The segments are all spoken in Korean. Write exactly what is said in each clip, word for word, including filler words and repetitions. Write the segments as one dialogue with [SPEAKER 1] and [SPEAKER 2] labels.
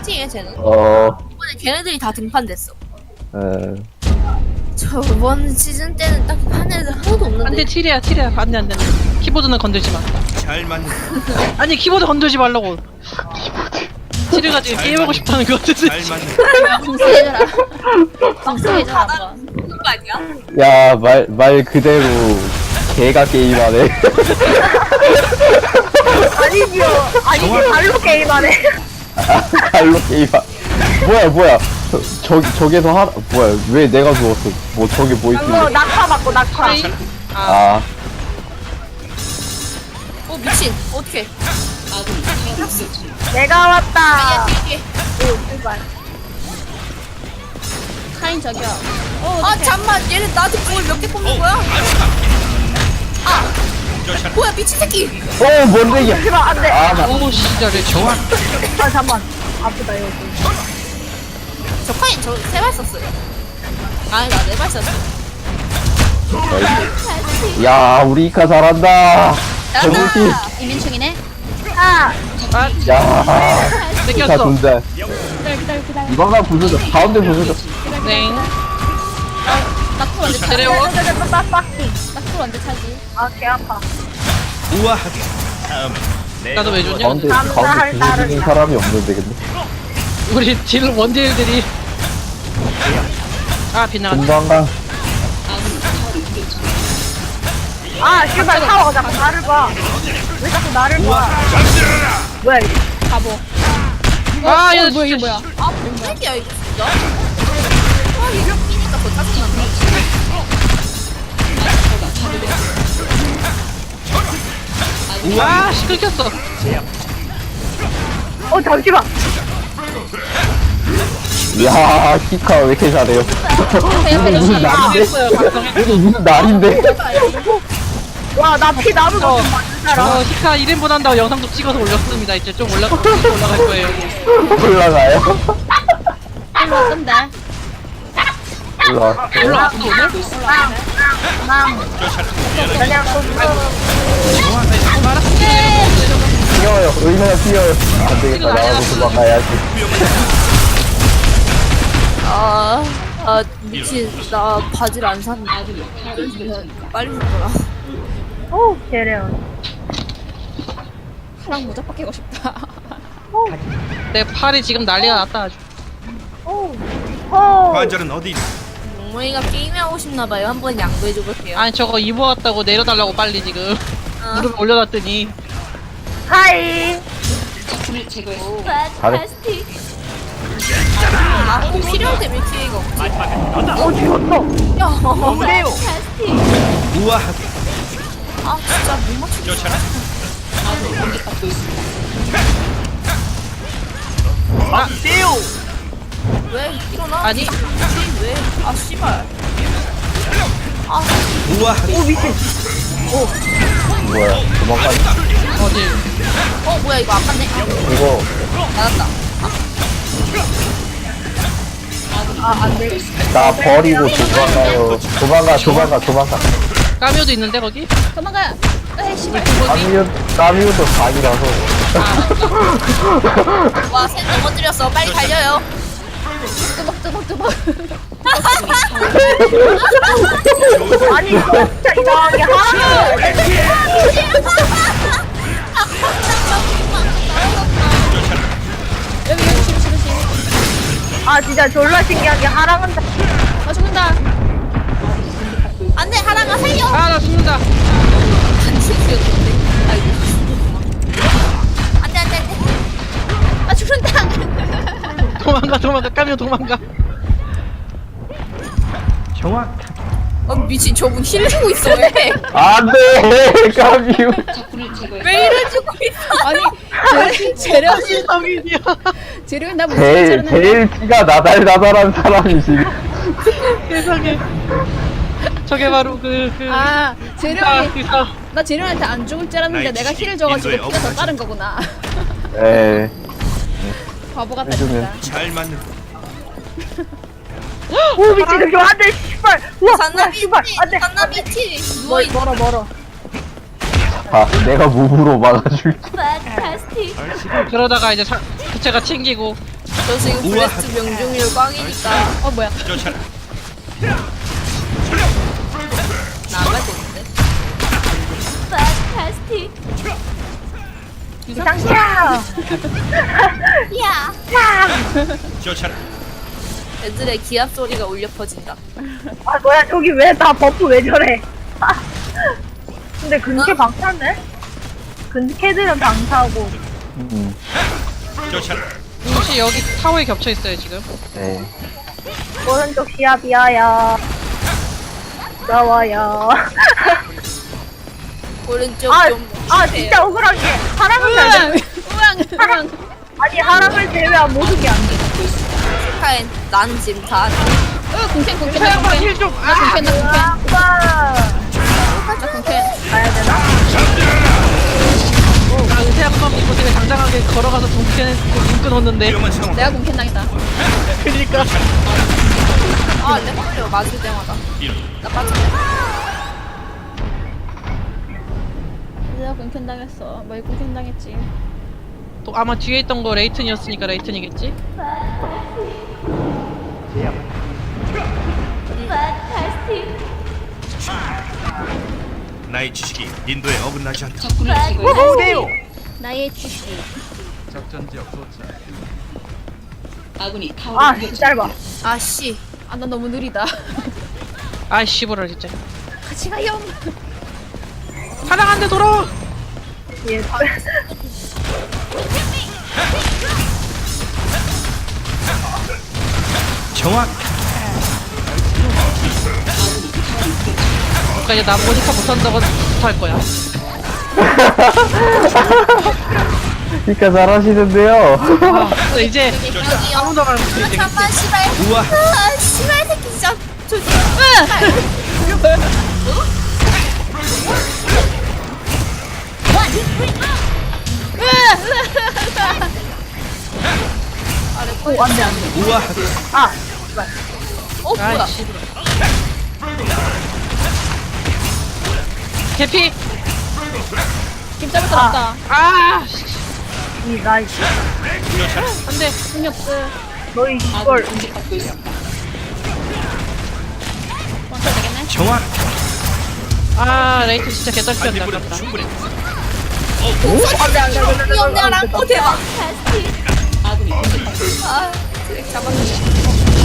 [SPEAKER 1] 파이팅해 쟤는.
[SPEAKER 2] 어,
[SPEAKER 1] 이번에 걔네들이 다 등판됐어.
[SPEAKER 2] 에,
[SPEAKER 1] 저번 시즌 때는 딱 한 애들 하나도 없는데.
[SPEAKER 3] 안돼 칠이야 칠이야 안돼 안돼 키보드는 건들지 마.
[SPEAKER 4] 잘 맞는
[SPEAKER 3] 아니 키보드 건들지 말라고. 칠이가 지금 게임하고 싶다는 거 같은데.
[SPEAKER 4] 잘 맞는
[SPEAKER 5] 방수해줘라. 방수해줘라 한번.
[SPEAKER 1] 그런 거 아니야?
[SPEAKER 2] 야, 말, 말 그대로 개가 게임하네.
[SPEAKER 6] 아니지요. 아니지, 발로 게임하네.
[SPEAKER 2] 갈로 게임하. 뭐야, 뭐야. 저, 저, 저기서 하, 뭐야, 왜 내가 죽었어? 뭐, 저게 뭐
[SPEAKER 6] 그거
[SPEAKER 2] 있길래.
[SPEAKER 6] 낙하 맞고, 낙하.
[SPEAKER 3] 아이, 아
[SPEAKER 2] 아,
[SPEAKER 1] 어 미친. 어떡해.
[SPEAKER 6] 내가 왔다.
[SPEAKER 1] 뒤에 뒤에.
[SPEAKER 6] 오, 출발.
[SPEAKER 5] 카인 저기요.
[SPEAKER 1] 아 잠만. 얘는 나한테 공을 몇 개 뽑는 거야? 아. 뭐야 미친 새끼.
[SPEAKER 2] 어, 뭔데, 이게.
[SPEAKER 6] 하지마, 안 돼.
[SPEAKER 2] 아, 나,
[SPEAKER 3] 오 진짜래 좋아.
[SPEAKER 6] 아, 잠만. 아프다, 이거.
[SPEAKER 1] 저 카인 저 세 발 썼어요. 아니 나 네 발 썼어.
[SPEAKER 2] 야, 우리 이카 잘한다.
[SPEAKER 1] 잘한다.
[SPEAKER 2] 저물팀.
[SPEAKER 5] 이민충이네.
[SPEAKER 6] 아,
[SPEAKER 3] 아
[SPEAKER 2] 야, 이카
[SPEAKER 3] 뺏겼어.
[SPEAKER 2] 존재.
[SPEAKER 5] 기다려 기다려 기다려.
[SPEAKER 2] 이거가 부서져. 가운데 부서져.
[SPEAKER 3] 네.
[SPEAKER 5] 나쿨 언제 차지?
[SPEAKER 3] 데려오.
[SPEAKER 6] 빡빡빡.
[SPEAKER 5] 나쿨 언제 차지?
[SPEAKER 6] 아, 개 아파.
[SPEAKER 4] 우아하게 다음 내가
[SPEAKER 3] 나도 왜 좋냐?
[SPEAKER 2] 가운데,
[SPEAKER 6] 감사할
[SPEAKER 2] 가운데 부서지는
[SPEAKER 6] 따름이다.
[SPEAKER 2] 사람이 없는데, 근데.
[SPEAKER 3] 우리 딜 원딜들이 아 빗나갔다.
[SPEAKER 2] 금방 가.
[SPEAKER 6] 아, 씨발, 타워가 자꾸 나를 봐. 왜 자꾸 나를 봐. 뭐야, 이거.
[SPEAKER 5] 바보.
[SPEAKER 3] 아
[SPEAKER 5] 어,
[SPEAKER 3] 얘
[SPEAKER 5] 뭐야 이게
[SPEAKER 3] 진짜
[SPEAKER 5] 뭐야?
[SPEAKER 1] 아 뭔 새끼야 이거 진짜. 아 이거 끼니까 더 짜증난다.
[SPEAKER 3] 아 씨, 끊겼어.
[SPEAKER 6] 어, 잠시만.
[SPEAKER 2] 야, 히카 왜 이렇게 잘해요? 이거 무슨 날인데?
[SPEAKER 3] 했어요 방송에.
[SPEAKER 2] 이거 무슨 날인데?
[SPEAKER 6] 와, 나 피 나는
[SPEAKER 3] 어,
[SPEAKER 6] 거좀 맞는 사람.
[SPEAKER 3] 저 히카 일 인분 한다고 영상도 찍어서 올렸습니다. 이제 좀 올라 올라갈 거예요.
[SPEAKER 2] 올라가요?
[SPEAKER 5] 일로 왔던데.
[SPEAKER 2] 올라가.
[SPEAKER 3] 올라왔어 오늘?
[SPEAKER 6] 그냥
[SPEAKER 2] 뛰어요. 얼마나 뛰어요. 안 되겠다. 나가고 도망가야지.
[SPEAKER 1] 아, 아 미친. 나 바지를 안 샀는데. 빨리 샀더라.
[SPEAKER 6] 오, 개래요.
[SPEAKER 5] 사랑 모자 벗기고 싶다.
[SPEAKER 3] 내 팔이 지금 난리가 났다 아주.
[SPEAKER 6] 오, 오.
[SPEAKER 4] 관절은 어디 있나?
[SPEAKER 1] 몽몽이가 게임하고 싶나봐요. 한번 양보해줘볼게요.
[SPEAKER 3] 아니 저거 입어왔다고 내려달라고 빨리 지금
[SPEAKER 1] 아,
[SPEAKER 3] 무릎 올려놨더니
[SPEAKER 6] 하이.
[SPEAKER 2] 잘해.
[SPEAKER 1] 아, 꼭 필요한데 왜 기회가 없지?
[SPEAKER 6] 오, 죽었어.
[SPEAKER 1] 야,
[SPEAKER 6] 그래요.
[SPEAKER 4] 우아하게
[SPEAKER 1] 아 진짜 못 맞추겠어.
[SPEAKER 4] 쫓아라
[SPEAKER 3] 아
[SPEAKER 1] 왜 일어나?
[SPEAKER 3] 아니.
[SPEAKER 1] 왜? 아 씨발. 아,
[SPEAKER 4] 우아하게
[SPEAKER 6] 오, 미친.
[SPEAKER 2] 뭐야. 도망가.
[SPEAKER 3] 어디
[SPEAKER 1] 어 뭐야 이거 아깝네.
[SPEAKER 2] 이거,
[SPEAKER 1] 맞았다.
[SPEAKER 6] 아, 안 돼.
[SPEAKER 2] 나 버리고 도망가요. 도망가, 도망가, 도망가.
[SPEAKER 3] 까미오도 있는데 거기?
[SPEAKER 5] 도망가. 에이 씨발.
[SPEAKER 2] 까미우, 까미우도 각이라서.
[SPEAKER 1] 와, 셋 넘어뜨렸어. 빨리 달려요.
[SPEAKER 5] 뚜벅 뚜벅 뚜벅.
[SPEAKER 6] 아니, 이거 진짜 이상하게 하라는
[SPEAKER 5] 여기 여기 지금 지금 지금.
[SPEAKER 6] 아, 진짜 졸라 신기한 게 하랑은
[SPEAKER 5] 아 죽는다.
[SPEAKER 1] 안돼, 하랑아 살려.
[SPEAKER 3] 아 나 죽는다.
[SPEAKER 1] 안 죽였는데. 아이고. 안돼 안돼 안돼.
[SPEAKER 5] 아 죽는다.
[SPEAKER 3] 도망가 도망가 까미오 도망가.
[SPEAKER 4] 정확
[SPEAKER 1] 어 미친 저분 힐 주고 있어 왜?
[SPEAKER 2] 안 돼! 까미우.
[SPEAKER 1] 왜 힐을 주고 있어?
[SPEAKER 5] 아니 재료
[SPEAKER 3] 성인이야.
[SPEAKER 5] 재료 나 무슨
[SPEAKER 2] 제일,
[SPEAKER 5] 자르는데.
[SPEAKER 2] 제일 피가 나달나달한 사람이 지금.
[SPEAKER 3] 세상에. 저게 바로 그 그.
[SPEAKER 5] 아
[SPEAKER 3] 아,
[SPEAKER 5] 재료이
[SPEAKER 3] 그사.
[SPEAKER 5] 나 재료한테 안 죽을 줄 알았는데 내가 힐을 줘가지고
[SPEAKER 4] 인도에
[SPEAKER 5] 피가 더 빠른 거구나.
[SPEAKER 2] 에
[SPEAKER 5] 바보 같다
[SPEAKER 2] 해주면.
[SPEAKER 5] 진짜.
[SPEAKER 4] 잘 맞는
[SPEAKER 6] 오, 미친. 이거 안 돼, 씨발. 우와,
[SPEAKER 1] 잔나
[SPEAKER 6] 우와, 씨발. 안 돼.
[SPEAKER 1] 잔나 비치. 누워
[SPEAKER 6] 멀,
[SPEAKER 1] 있어.
[SPEAKER 6] 멀어, 멀어.
[SPEAKER 2] 아, 내가 몸으로 막아줄게.
[SPEAKER 3] 그러다가 이제 사, 부채가 튕기고
[SPEAKER 1] 저 지금
[SPEAKER 4] 우와.
[SPEAKER 1] 브레스트 명중률 꽝이니까
[SPEAKER 5] 어 뭐야?
[SPEAKER 4] 쫓아라.
[SPEAKER 1] 나가야 되는데.
[SPEAKER 5] 판타스틱.
[SPEAKER 6] 이상이야.
[SPEAKER 5] 야.
[SPEAKER 4] 쫓아라.
[SPEAKER 1] 애들의 기합 소리가 울려 퍼진다.
[SPEAKER 6] 아 뭐야 저기 왜 다 버프 왜 저래? 근데 근캐 방타네? 근캐들은 방타고.
[SPEAKER 2] 음,
[SPEAKER 4] 쫓아라.
[SPEAKER 3] 혹시 여기 타워에 겹쳐 있어요 지금?
[SPEAKER 2] 네.
[SPEAKER 6] 오른쪽 시야비야야. 나와야.
[SPEAKER 1] 오른쪽
[SPEAKER 6] 아,
[SPEAKER 1] 좀.
[SPEAKER 6] 아 진짜 억울한 게 하랑은 잘
[SPEAKER 5] 우왕
[SPEAKER 6] 돼.
[SPEAKER 5] 우왕 우왕.
[SPEAKER 6] 아니 하랑을 제외한 모든 게 안 돼.
[SPEAKER 1] 축하해. 난 지금 다.
[SPEAKER 5] 어 공캔 공캔 나
[SPEAKER 3] 태양과
[SPEAKER 5] 공캔.
[SPEAKER 3] 힐 좀!
[SPEAKER 5] 나 공캔 나 공캔.
[SPEAKER 6] 와.
[SPEAKER 5] 나 공캔.
[SPEAKER 6] 가야 되나?
[SPEAKER 3] 아 은퇴 한번 입고 되게 당당하게 걸어가서 동캔 눈 끊었는데
[SPEAKER 4] 위험한 상황.
[SPEAKER 5] 내가 공캔 당했다.
[SPEAKER 3] 그니까
[SPEAKER 1] 아, 내 걸려. 맞을 때마다. 나 빠질래.
[SPEAKER 5] 내가 공캔 당했어. 뭘 공캔 당했지?
[SPEAKER 3] 또 아마 뒤에 있던 거 레이튼이었으니까 레이튼이겠지?
[SPEAKER 4] 나의 지식이 인도에 어긋나지 않다.
[SPEAKER 5] 나의 주식.
[SPEAKER 6] 아 진짜 짧아.
[SPEAKER 1] 아, 씨.
[SPEAKER 5] 아 나 너무 느리다.
[SPEAKER 3] 아이 씨부라 진짜
[SPEAKER 5] 같이 가요.
[SPEAKER 3] 사랑한데 돌아와!
[SPEAKER 6] 예.
[SPEAKER 4] 정확.
[SPEAKER 3] 그러니까 이제 나 모니카 못한다고 못할 거야.
[SPEAKER 2] 그니까 잘하시는데요.
[SPEAKER 3] 아, 근데 이제
[SPEAKER 1] 여기요.
[SPEAKER 3] 아무도 말 못해
[SPEAKER 1] 아,
[SPEAKER 3] 이제.
[SPEAKER 1] 잠깐, 씨발.
[SPEAKER 4] 우와.
[SPEAKER 1] 아, 씨발 새끼 진짜. 저기.
[SPEAKER 6] 오 안돼 안돼.
[SPEAKER 4] 우와.
[SPEAKER 6] 아
[SPEAKER 1] 어, 뭐야.
[SPEAKER 3] 아이 씨부라. 개피!
[SPEAKER 5] 김 잡을 건 없다.
[SPEAKER 3] 아! 씨.
[SPEAKER 6] 이 나이스.
[SPEAKER 3] 안돼.
[SPEAKER 5] 힘이 없어.
[SPEAKER 6] 너희 이걸
[SPEAKER 5] 원터 되겠네.
[SPEAKER 4] 정확.
[SPEAKER 3] 아 레이튼 진짜 개떨렸다
[SPEAKER 4] 반딧불은
[SPEAKER 3] 아깝다.
[SPEAKER 4] 충분해.
[SPEAKER 6] 안돼 안돼 안돼.
[SPEAKER 1] 귀엽냐랑. 오, 대박. 아, 드랙 잡았는데.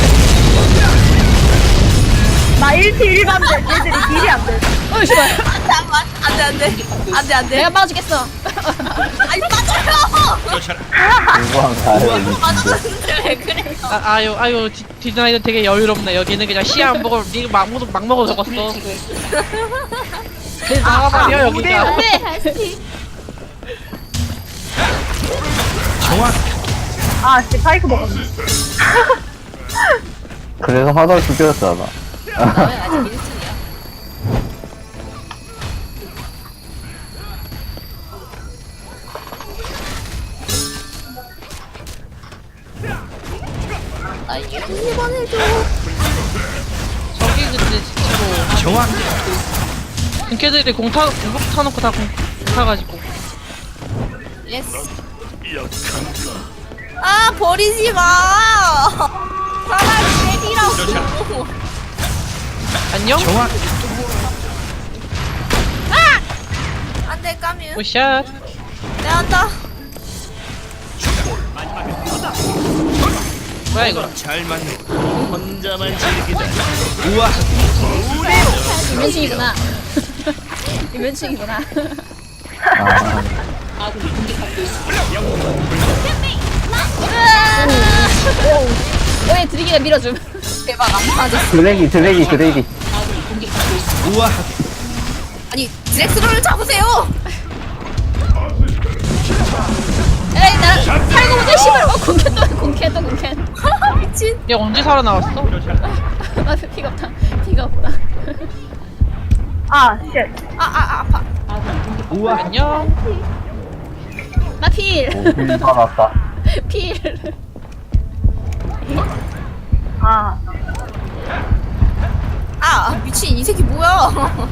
[SPEAKER 6] 나 일 티 일 반대. 얘들이 딜이 안 돼.
[SPEAKER 5] 어 씨발.
[SPEAKER 1] 잠깐만. 안 돼, 안 돼. 안 돼, 안 돼.
[SPEAKER 5] 내가 막아주겠어.
[SPEAKER 1] 아니, 맞아요.
[SPEAKER 4] 쫓아라.
[SPEAKER 2] 누구랑 가요?
[SPEAKER 1] 맞았는데 왜 그래?
[SPEAKER 3] 아, 아유 아유 디, 디자인은 되게 여유롭네. 여기는 그냥 시야 안 보고 니막 먹어 막 먹어 적었어. 내 나가버려 여기가.
[SPEAKER 5] 안돼.
[SPEAKER 4] 정확.
[SPEAKER 6] 아씨 파이크 먹었네.
[SPEAKER 2] 그래서 하다 죽였잖아.
[SPEAKER 1] 왜 아직 일 등이야? 나 일 번 해줘.
[SPEAKER 3] 저기 근데 진짜로
[SPEAKER 4] 정확.
[SPEAKER 3] 걔들이 공타 공격 타놓고 다 공 타가지고.
[SPEAKER 1] 예스. 아, 버리지 마. 차라리 때리라고.
[SPEAKER 3] 안녕.
[SPEAKER 4] 정확.
[SPEAKER 1] 안 돼, 까뮤.
[SPEAKER 3] 오샷.
[SPEAKER 1] 내 한다.
[SPEAKER 3] 뭐야 이거?
[SPEAKER 4] 잘 맞네. 혼자만 즐기다. 우와.
[SPEAKER 5] 이면식이구나. 이면식이구나.
[SPEAKER 2] 아,
[SPEAKER 5] 오예 드리기가 밀어줌.
[SPEAKER 1] 대박, 안 맞았어.
[SPEAKER 2] 드래기, 드래기, 드래기.
[SPEAKER 4] 우와.
[SPEAKER 1] 아니, 드렉스로를 잡으세요.
[SPEAKER 5] 에이 나 살고 보자 씨발. 어 공캔 또 공캔 또 공캔.
[SPEAKER 1] 미친.
[SPEAKER 3] 얘 언제 살아나왔어?
[SPEAKER 5] 나 피가 없다. 피가 없다.
[SPEAKER 6] 아 쉣.
[SPEAKER 1] 아, 아, 아, 아파.
[SPEAKER 4] 우와.
[SPEAKER 3] 안녕.
[SPEAKER 5] 나 필.
[SPEAKER 2] 오, bil 살았다.
[SPEAKER 5] 필.
[SPEAKER 6] 아
[SPEAKER 1] 아, 미친. 이 새끼 뭐야.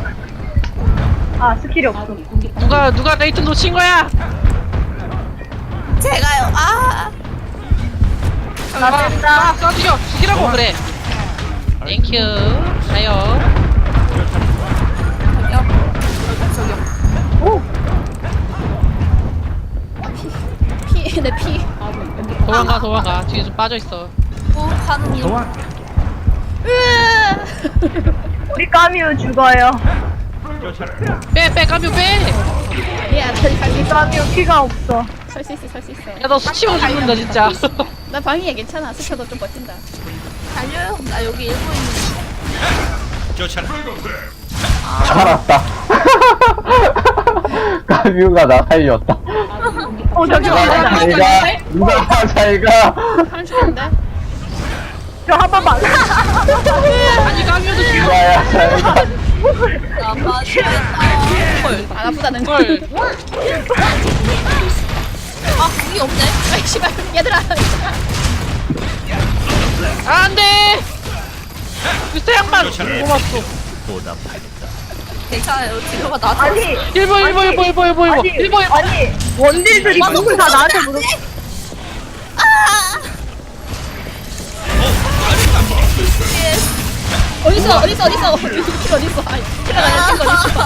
[SPEAKER 6] 아 스킬이 없어.
[SPEAKER 3] 누가 누가 레이튼 놓친 거야?
[SPEAKER 1] 제가요. 아.
[SPEAKER 6] 나 된다.
[SPEAKER 3] 쏴 죽여 죽이라고 그래. 땡큐. 가요.
[SPEAKER 6] 오.
[SPEAKER 5] 피, 내 피. 아, 뭐,
[SPEAKER 3] 도망가 도망가. 뒤에 좀 빠져 있어.
[SPEAKER 1] 오 가는 중.
[SPEAKER 6] 우리 까미우 죽어요.
[SPEAKER 3] 빼빼 까뮤 빼.
[SPEAKER 5] 야, 저기 갈 수
[SPEAKER 6] 우리
[SPEAKER 5] 있어.
[SPEAKER 6] 까미우 피가 없어.
[SPEAKER 5] 설 수 있어, 설 수 있어.
[SPEAKER 3] 야 너 수치고 죽는다 진짜.
[SPEAKER 5] 나 방위에 괜찮아. 스쳐도 좀 버틴다.
[SPEAKER 1] 달려요. 나 여기 일본 있는.
[SPEAKER 2] 살았다. 까뮤가 나 살렸다.
[SPEAKER 6] 어 잠시만.
[SPEAKER 2] 잘가. 누가 잘가.
[SPEAKER 5] 한 죽는데?
[SPEAKER 6] 저 한 번만.
[SPEAKER 3] 아니 까뮤도 죽여.
[SPEAKER 2] 누가야 잘가.
[SPEAKER 1] 아 맞다. 헐.
[SPEAKER 5] 안 아프다는 거.
[SPEAKER 3] 헐.
[SPEAKER 1] 아 궁이 없네.
[SPEAKER 5] 아이, 씨발. 얘들아.
[SPEAKER 3] 안돼. 그때 양반 고맙소.
[SPEAKER 1] 괜찮아요. 딜러가 나한테.
[SPEAKER 6] 아니
[SPEAKER 3] 일보 일보 일보 일보 일보 일보
[SPEAKER 6] 아니
[SPEAKER 3] 일보 일보.
[SPEAKER 6] 아니 원딜들이 모두 다 나한테 물어.
[SPEAKER 5] 어딨어, 어딨어, 어딨어. 킬 어딨어. 아이, 킬러가 아니라 킬 어딨어.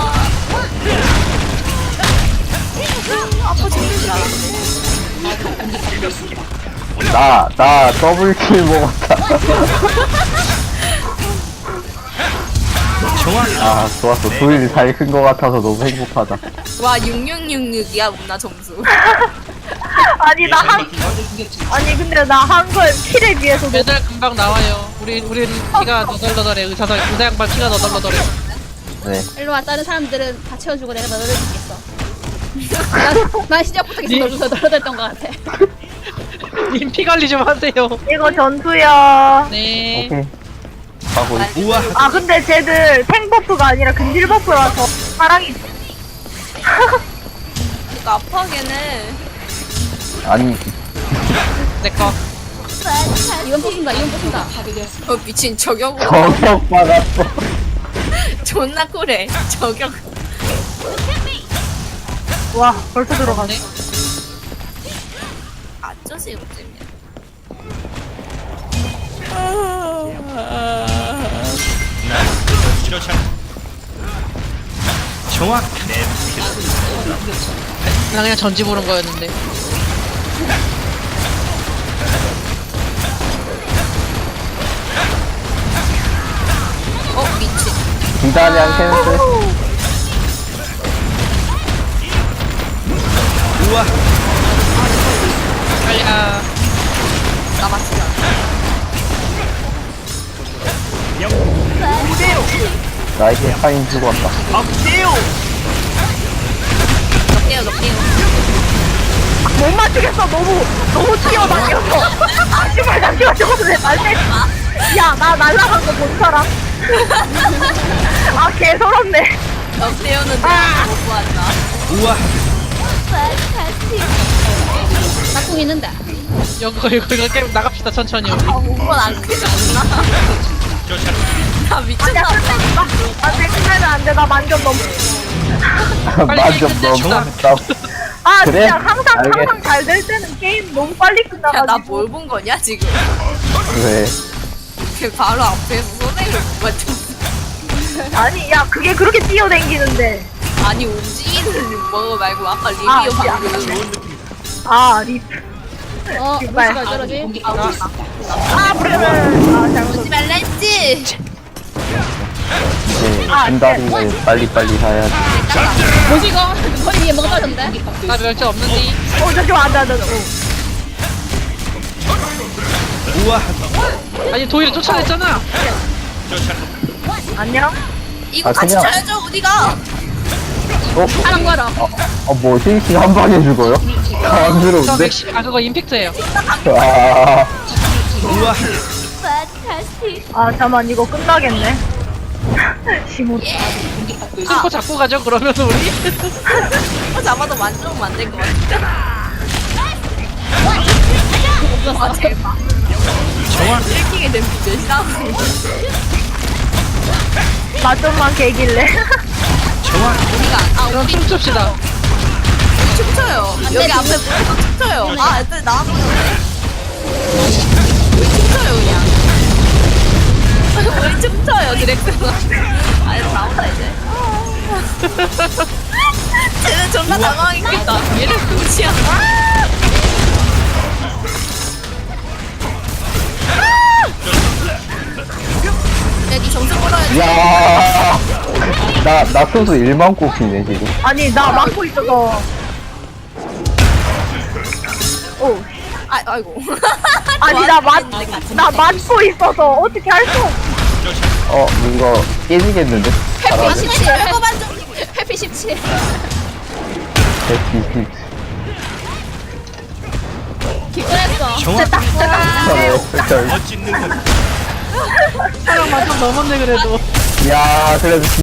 [SPEAKER 1] 아파 죽는다.
[SPEAKER 2] 나, 나 더블킬 먹었다. 아, 좋았어. 도일이 잘 큰 거 같아서 너무 행복하다.
[SPEAKER 1] 와 육육육육이야 문나 점수.
[SPEAKER 6] 아니 나 한 아니 근데 나 한 걸 킬에 비해서 너무
[SPEAKER 3] 매달 금방 나와요. 우리 우리 피가 너덜너덜해. 의사사 의사 양반 피가 너덜너덜해.
[SPEAKER 2] 네.
[SPEAKER 5] 일로 와. 다른 사람들은 다 채워주고 내가 너를 죽겠어. 난, 난 시작부터 계속 너를 너덜너덜했던 것 같아.
[SPEAKER 3] 님 피 관리 좀 하세요.
[SPEAKER 6] 이거 전투야.
[SPEAKER 3] 네.
[SPEAKER 2] 오케이. 가고 있
[SPEAKER 6] 아 근데 쟤들 탱 버프가 아니라 근질 버프라서 사랑이.
[SPEAKER 1] 그러니까 아파하긴 해.
[SPEAKER 2] 아니,
[SPEAKER 3] 내꺼.
[SPEAKER 5] 이건 부순다, 이건 부순다.
[SPEAKER 1] 어 미친 저격으로.
[SPEAKER 2] 저격 받았어.
[SPEAKER 1] 존나 쿨해. 저격.
[SPEAKER 6] 와 벌써 들어갔어.
[SPEAKER 3] 네.
[SPEAKER 1] 아저씨 요즘이야.
[SPEAKER 3] 나 그냥 전지 보는 거였는데.
[SPEAKER 1] 어 미친.
[SPEAKER 2] 기다량 캔슬.
[SPEAKER 3] 빨리 가.
[SPEAKER 1] 남았어.
[SPEAKER 2] 나에게 파인 죽었다.
[SPEAKER 1] 넉개요 넉개요.
[SPEAKER 6] 못 맞추겠어. 너무 너무 뛰어다녀서. 아 씨발 잠시만 저거 왜 날래? 야나 날라간 거 본 사람? 아 개서럽네.
[SPEAKER 1] 넉개요는
[SPEAKER 6] 아.
[SPEAKER 1] 내가 못 보았다.
[SPEAKER 5] 짝꿍 있는데.
[SPEAKER 3] 이거 이거 이거 게임 나갑시다 천천히.
[SPEAKER 1] 아 오건 안 크지 않나? 나
[SPEAKER 6] 아니야
[SPEAKER 1] 미쳤나 봐.
[SPEAKER 6] 끝내니까. 안돼 끝내면 안돼. 나 만점 넘.
[SPEAKER 2] 만점
[SPEAKER 3] 끝냅시다.
[SPEAKER 2] 너무
[SPEAKER 6] 아
[SPEAKER 2] 그래?
[SPEAKER 6] 진짜 항상
[SPEAKER 2] 알겠-
[SPEAKER 6] 항상 잘 될 때는 게임 너무 빨리 끝나가지고.
[SPEAKER 1] 야나 뭘 본 거냐 지금?
[SPEAKER 2] 왜?
[SPEAKER 1] 그 바로 앞에서 선생님을 못 맞췄어.
[SPEAKER 6] 아니 야 그게 그렇게 뛰어댕기는데.
[SPEAKER 1] 아니 움직이는 거 말고 아까 리뷰
[SPEAKER 6] 아,
[SPEAKER 1] 방금.
[SPEAKER 6] 아 립.
[SPEAKER 5] 어,
[SPEAKER 6] 씨발.
[SPEAKER 5] 무시가 떨어지?
[SPEAKER 6] 아 그래. 아 잘못.
[SPEAKER 1] 하지 말라 했지.
[SPEAKER 2] 네,
[SPEAKER 6] 아,
[SPEAKER 2] 진다리를 빨리빨리 사야지.
[SPEAKER 5] 뭐지 이거? 머리 위에 뭐가 떨어졌는데?
[SPEAKER 3] 나 멸치 없는데.
[SPEAKER 6] 어 잠시만 안돼 안돼.
[SPEAKER 3] 아니 도일이 쫓아냈잖아.
[SPEAKER 6] 안녕.
[SPEAKER 1] 이거
[SPEAKER 2] 아,
[SPEAKER 1] 같이
[SPEAKER 2] 그냥-
[SPEAKER 1] 쳐야죠 우리가.
[SPEAKER 2] 어?
[SPEAKER 5] 하는 거라.
[SPEAKER 2] 어, 뭐, 힐킹 한 방에 죽어요?
[SPEAKER 3] 저
[SPEAKER 2] 안쓰러운데?
[SPEAKER 3] 맥시 아 그거 임팩트예요.
[SPEAKER 2] 아,
[SPEAKER 6] 아 잠만 이거 끝나겠네. 시무.
[SPEAKER 3] 슬퍼 잡고 가죠 그러면 우리.
[SPEAKER 1] 어, 잡아도 만져보면 안 될 것 같아. 아 대박. 힐킹이 된 비제 싸우는 거.
[SPEAKER 6] 맛좀만 개길래.
[SPEAKER 1] 우리가 아
[SPEAKER 3] 그럼
[SPEAKER 1] 우리
[SPEAKER 3] 춤춥시다.
[SPEAKER 1] 춤춰요. 여기 앞에 보여서 춤춰요. 아 애들 나와보는데.
[SPEAKER 2] 나, 나 소수 일만 꼽히네, 지금.
[SPEAKER 6] 아니 나 막고 있어서. 오.
[SPEAKER 1] 아 아이고.
[SPEAKER 6] 아니 나 맞, 나 맞고 있어서 어떻게 할 수 없어.
[SPEAKER 2] 어, 이거 깨지겠는데?
[SPEAKER 5] 해피
[SPEAKER 2] 잘하네.
[SPEAKER 5] 십칠.
[SPEAKER 1] 별거만 좀.
[SPEAKER 5] 해피 십칠.
[SPEAKER 2] 대피,
[SPEAKER 5] 기권했어.
[SPEAKER 4] 정확
[SPEAKER 2] 힐.
[SPEAKER 4] 멋진 능력.
[SPEAKER 3] 사람 만점 넘었네 그래도.
[SPEAKER 2] 야, 그래도